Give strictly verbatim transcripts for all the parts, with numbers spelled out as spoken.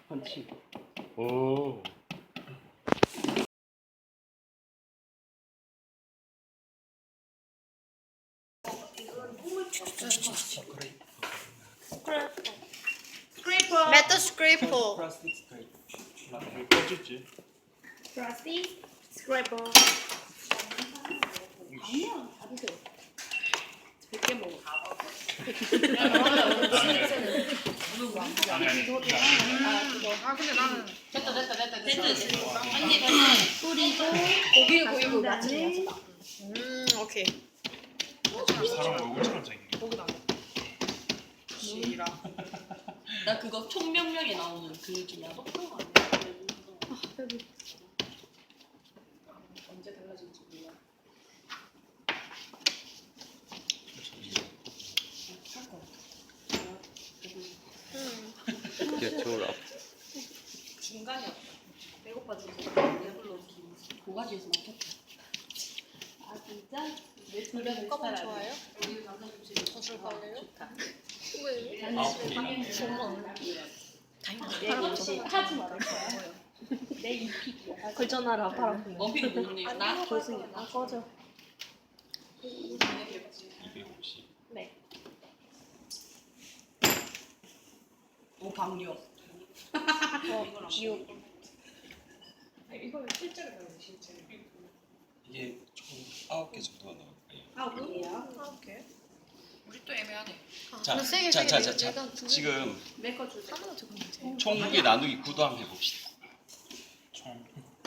펀치. 오. 스크래퍼. 메tal 스크래퍼. 플라스틱 스크래퍼. 왜 꺼지지? 플라스틱 스크래퍼. 아니야, 다 드세요. 몇개 먹어. 아 근데 나는 됐다, 됐다, 됐다, 됐다. 언니 뿌리고 고기를 고기를 닭 맞추는 간장을 음, 오케이. 사람 얼굴처럼 생긴. 고기도 안 돼. 시라. 나 그거 총명령에 나오는 그 중에 똑같은 거 아니야? 언제 달라질지 몰라. 할 거. 개초라. 중간이었다. 배고파지고 배불러 고가지에서 막혔다. 아 진짜? 노래 꽃가방 좋아요? 우리 남자 집에 술 갈래요? 좋다. 왜? 내 옷이 하지 말아요. 내 이픽이야. 걸쳐놔라 바람. 원픽이 누구니? 나? 조승이. 아 꺼져. 이백오십. 네. 오 방력. 어 이웃. 이걸 실제로 배우는 실제. 이게 총 아홉 개 정도가 나올 거예요. 아홉 개야? 아홉 개. 우리 또 애매하네. 자, 세게, 자, 자, 세게 자, 내가 자. 두 개. 지금 내거 주자. 하나 적었는데. 총 무게 나누기 구도 한번 해봅시다. 총.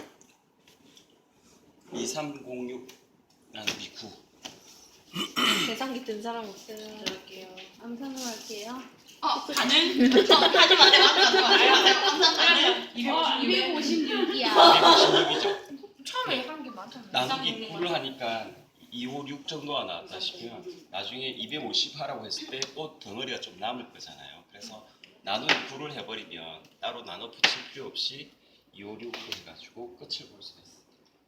이삼공육 나누기 구. 계산기 든 사람 없어요. 들어갈게요. 암산을 할게요. 어 가능? 저 하지 마세요. 하지 마세요. 이백오십육이야. 이백오십육이죠? 처음에 한 게 많잖아요. 나누기 구를 하니까 이백오십육 정도가 나왔다 싶으면 나중에 이백오십 하라고 했을 때 또 덩어리가 좀 남을 거잖아요. 그래서 나누기 구를 해버리면 따로 나눠 붙일 필요 없이 이백오십육으로 해가지고 끝을 볼 수가 있어요.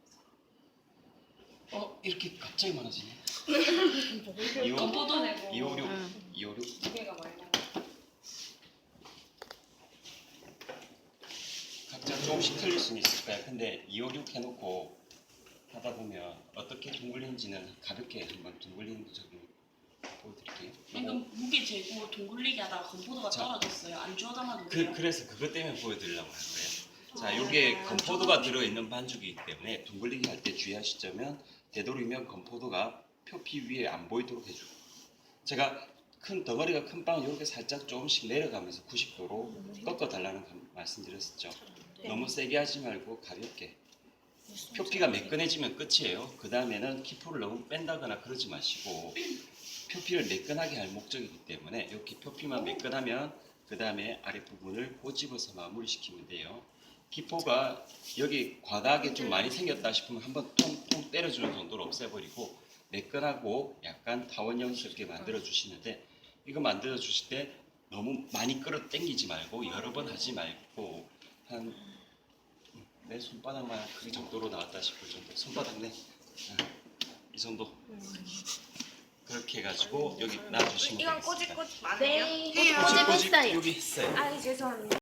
어? 이렇게 갑자기 많아지네. 건포도 내고. 이백오십육, 이백오십육. 두 개가 많이 각자 조금씩 틀릴 수는 있을 거야. 근데 이백오십육 해놓고 하다 보면 어떻게 둥글리는지는 가볍게 한번 둥글리는 적을 보여드릴게요. 그러니까 요거 무게 재고 동굴리기 하다가 건포도가 자. 떨어졌어요. 안 주워담아도 그, 돼요? 그래서 그것 때문에 보여드리려고 할 거예요. 자, 요게 건포도가 들어있는 반죽이기 때문에 둥글리기 할 때 주의하실 점은 되도록이면 건포도가 표피 위에 안 보이도록 해주고, 제가 큰 덩어리가 큰 빵은 이렇게 살짝 조금씩 내려가면서 구십 도로 꺾어 달라는 말씀드렸었죠. 너무 세게 하지 말고 가볍게. 표피가 매끈해지면 끝이에요. 그 다음에는 키포를 너무 뺀다거나 그러지 마시고 표피를 매끈하게 할 목적이기 때문에 이렇게 표피만 매끈하면 그 다음에 아랫부분을 꼬집어서 마무리시키면 돼요. 기포가 여기 과다하게 좀 많이 생겼다 싶으면 한번 통통 때려주는 정도로 없애버리고 매끈하고 약간 타원형스럽게 만들어 주시는데, 이거 만들어 주실 때 너무 많이 끌어 당기지 말고 여러 번 하지 말고 한 내 손바닥만 크기 정도로 나왔다 싶을 정도. 손바닥 네. 이 정도. 그렇게 해가지고 여기 놔주시면 이건 되겠습니다. 꼬집꼬집 안 해요? 네. 꼬집 꼬집, 꼬집 했어요. 여기 했어요. 아 죄송합니다.